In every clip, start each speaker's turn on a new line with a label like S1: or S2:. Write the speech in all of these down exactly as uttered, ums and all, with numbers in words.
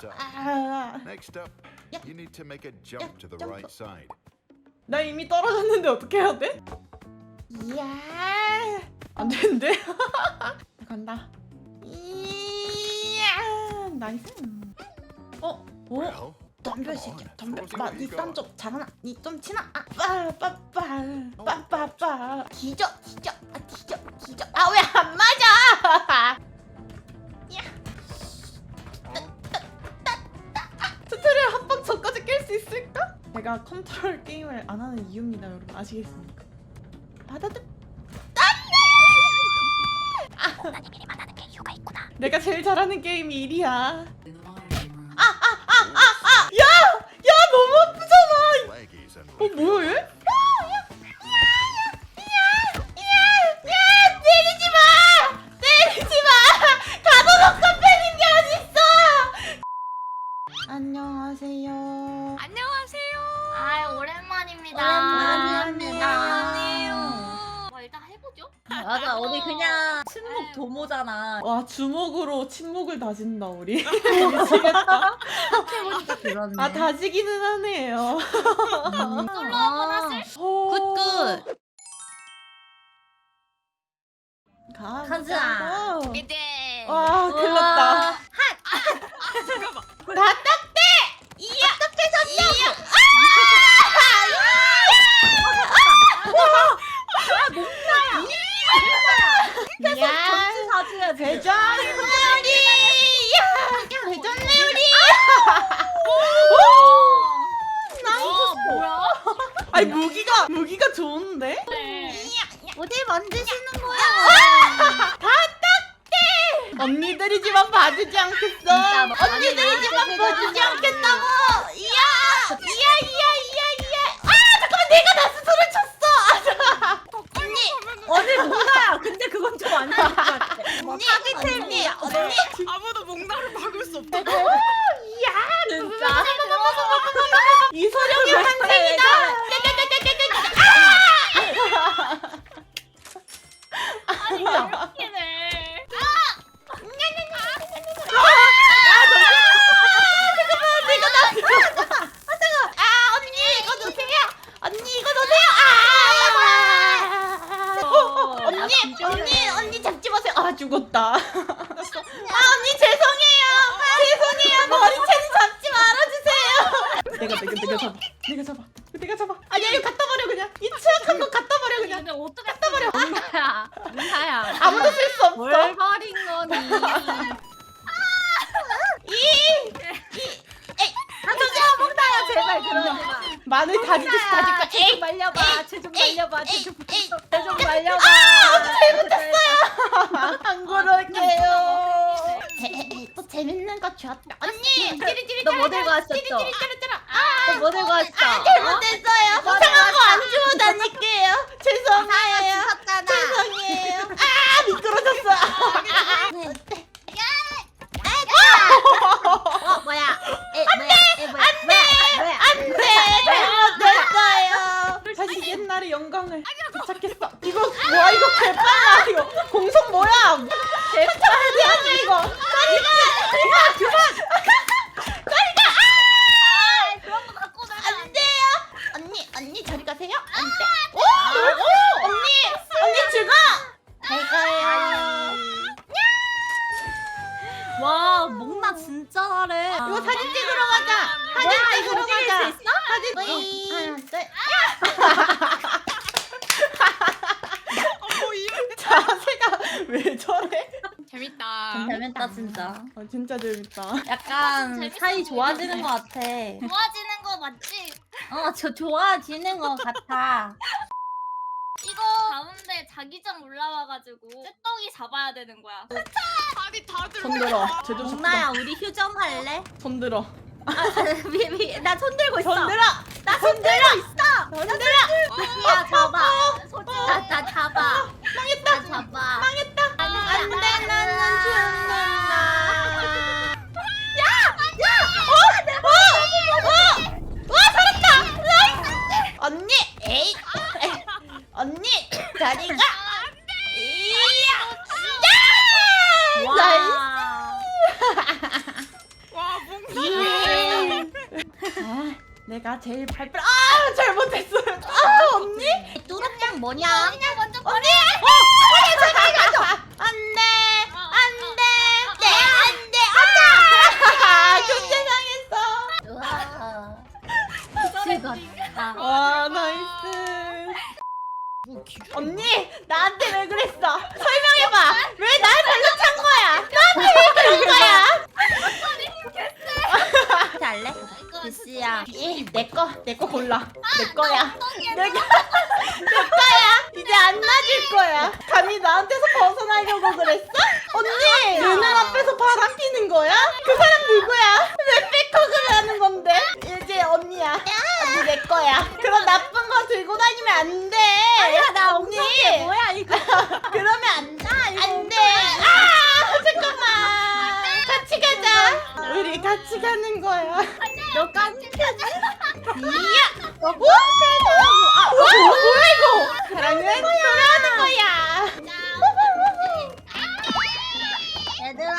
S1: side.
S2: 아,
S1: Next up,
S2: Yeah.
S1: you need to make a jump to the
S2: jump.
S1: right side.
S3: 나 이미 떨어졌는데 어떻게 해야 돼?
S2: 이야.
S3: 안 되는데? 간다.
S2: 이야.
S3: 나이스. 어? 오?
S1: Well,
S2: 덤벼
S1: come
S2: 새끼야
S1: on,
S2: 덤벼.
S1: throw
S2: 나
S1: some
S2: 니
S1: ego.
S2: 땀 좀 잘하나? 니 좀 치나? 아, 빠빠빠 빠빠빠. 뒤져 뒤져 아 뒤져 뒤져. 아 왜 안 맞아?
S3: 스트를 한 방 저까지 깰 수 있을까? 제가 컨트롤 게임을 안 하는 이유입니다, 여러분. 아시겠습니까? 받아들.
S2: 나는 게임만 하는 게 이유가 있구나.
S3: 내가 제일 잘하는 게임이 일이야. 야! 야, 너무 아프잖아.
S1: Leggies and
S3: 어, 뭐야 얘?
S2: 때리지 마! 때리지 마! 가둬놓고 패는 게 어딨어! 안녕하세요.
S4: 안녕하세요. 아 오랜만입니다.
S2: 오랜만입니다.
S4: 아니에요. 뭐 일단 해보죠.
S5: 맞아, 우리 그냥 침묵 도모잖아.
S3: 와, 주먹으로 침묵을 다진다, 우리.
S5: 생각해보니까 그렇네.
S3: 아, 다지기는 하네요.
S4: 솔로 한번 하실?
S3: 굿굿. 가.
S5: 가자.
S4: 이제.
S3: 와, 큰일났다.
S4: 잠깐만.
S2: 다 딱대! 이야! 딱대 섰냐?
S5: 계속 전지 사줘야지.
S2: 회전놀이! 야! 회전놀이!
S4: 어 뭐야?
S3: 아니, 무기가, 무기가 좋은데?
S4: 네.
S5: 어디 만드시는 거야?
S3: 언니들이지만 봐주지 않겠어.
S5: 진짜 너
S2: 언니들이지만
S5: 많이
S2: 봐주지
S5: 많이
S2: 않겠다고! 이야! 이야 이야 이야 이야! 아! 잠깐만 내가 나 스스로 쳤어! 언니!
S5: 언니 뭔가야? 근데 그건 좀 아닌 것 같아.
S2: 언니! 언니! 언니!
S4: 아무도 몽나를 막을 수 없다.
S2: 이야!
S5: 진짜.
S3: 이소룡의 환생이다.
S4: 아니 이렇게네.
S2: 아 언니 이거 놓으세요! 언니 이거 놓으세요! 아!
S5: 어,
S2: 언니!
S5: 야,
S2: 언니! 언니 잡지 마세요!
S3: 아, 죽었다.
S2: 아 언니 죄송해요! 죄송해요! 머리채는 잡지 말아주세요!
S3: 내가, 내가, 내가 잡아. 내가 잡아. 내가 잡아. 아니야, 이거 갖다 버려, 그냥. 이 취약한 거 갖다 버려, 그냥.
S4: 근데 어떻게 갖다 버려?
S5: 뭔가야? 뭔가야?
S3: 아무도 쓸 수 없어.
S5: 뭘 버린 거니? 하지마 먹나야 제발 그러지 마.
S3: 마늘 다지듯이 다질 거야.
S5: 쟤좀 말려봐. 쟤 좀 말려봐. 쟤좀
S2: 에이,
S5: 쟤좀 말려봐.
S3: 안 그럴게요.
S2: 또 재밌는 거 줬다 언니! 찌릿찌릿
S5: 너 뭐 들고 왔었어?
S2: 찌릿찌릿 찌릿찌릿 아!
S5: 너 뭐 들고 왔어?
S2: 잘못했어요!
S5: 뭐
S2: 이상한 거 안 주워 다닐게요! 죄송해요!
S5: 샀잖아.
S2: 죄송해요! 아! 미끄러졌어!
S5: 어 뭐야? 에 뭐야? 에 뭐야? 안돼! 뭐야?
S2: 안돼! 잘못했어요!
S3: 다시 옛날의 영광을 되찾겠어. 이거 뭐야? 이거 개빨라. 이거 공속 뭐야? 개빨이야 이거.
S4: 아 그런 거 갖고 나면 안 돼.
S2: 안돼요! 언니! 언니 저리 가세요! 안돼! 오!
S3: 오!
S2: 언니! 언니 죽어! 잘 가요!
S5: 와 목나 진짜 잘해.
S2: 이거 사진 찍으러 가자! 사진 찍으러 가자! 사진
S4: 어.
S2: 하나 둘
S4: 뭐 이런.
S3: 자세가 왜 저래?
S4: 재밌다.
S5: 재밌다 진짜.
S3: 아, 진짜 재밌다.
S5: 약간
S4: 재밌어
S5: 사이
S4: 보이는데.
S5: 좋아지는 것 같아.
S4: 좋아지는 거 맞지?
S5: 어, 저 좋아지는 것 같아.
S4: 이거 가운데 자기장 올라와가지고 쇳덩이 잡아야 되는 거야. 다리 다들.
S3: 손 들어. 제대로
S5: 목나야,
S3: 잡자.
S5: 우리 휴전 할래?
S3: 손 들어.
S5: 미, 미, 나 손 들고 있어.
S3: 손 들어.
S5: 나 손 들고 있어. 손 들어. 야, 잡아. 나, 나 잡아. 망했다. 나 잡아.
S2: 망했다! 안돼 나는 죽는다! 언니! 에이! 언니! 다리가! 이야!
S5: 와.
S4: 와 몽나.
S3: 아, 내가 제일 발표. 아, 잘못했어요. 아, 언니?
S5: 뚜루뽕 뭐냐?
S4: 그냥 먼저 버려.
S2: 안돼
S4: 어,
S2: 안돼
S4: 어,
S2: 네 안돼 아 교체 당했어.
S5: 우와.
S4: 어,
S5: 즐겁다.
S3: 와, 나이스.
S2: 언니 나한테 왜 그랬어? 설명해봐. 왜 날 발로 찬 거야? 나한테 왜 그런 거야?
S5: 잘래? 글씨야.
S2: 내거 내 거 골라. 내 거야.
S4: 엉덩이에
S2: 내가 내 거야. 이제 안 맞을 거야. 감히 나한테서 벗어나려고 그랬어? 언니 눈을 앞에서 바람 피는 거야? 그 사람 누구야? 왜 백허그를 하는 건데? 이제 언니야. 언니 내 거야. 그런 나쁜 거 들고 다니면 안 돼.
S5: 야, 나
S2: 언니.
S5: 엉덩이 뭐야 이거?
S2: 그러면 안 돼. 안 돼. 아 잠깐만. 같이 가자. 우리 같이 가는 거야.
S5: 너 깜짝이야.
S2: 이야. 너 아, 와, 뭐야 이거? 사랑은 돌아오는 거야.
S5: 얘들아.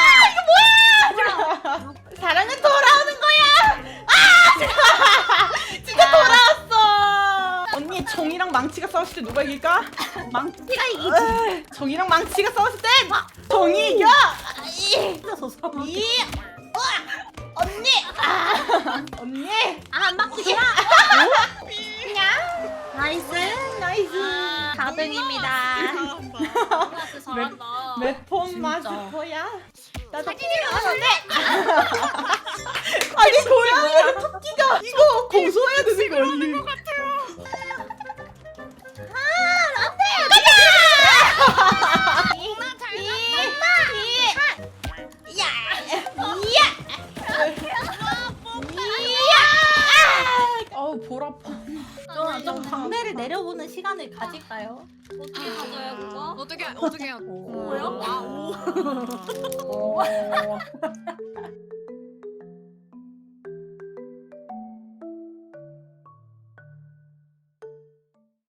S2: 사랑은 돌아오는 거야. 아, 진짜 돌아왔어.
S3: 언니, 정이랑 망치가 싸웠을 때 누가 이길까?
S5: 망치가 이기지.
S3: 으, 정이랑 망치가 싸웠을 때 정이 이겨.
S2: 이, 이, 우와. 언니. 아, 언니.
S5: 아, 한 바퀴 돌아.
S2: 그냥
S5: 나이스.
S2: 나이스.
S5: 사 등입니다.
S4: 진짜 잘한다.
S3: 몇번
S5: 진짜.
S3: 마스터야?
S2: 나도 사진이랑 하는데.
S3: 아니, 고양이랑 토끼가 이거 고소해야 되는 거 언니. 아우, 볼 아파.
S5: 좀, 좀 광대를 내려보는 시간을 가질까요?
S4: 어떻게 가져요 그거?
S1: 어떻게 어떻게 해요?
S5: 오.
S4: 뭐야?
S1: 와, 오.
S3: 어.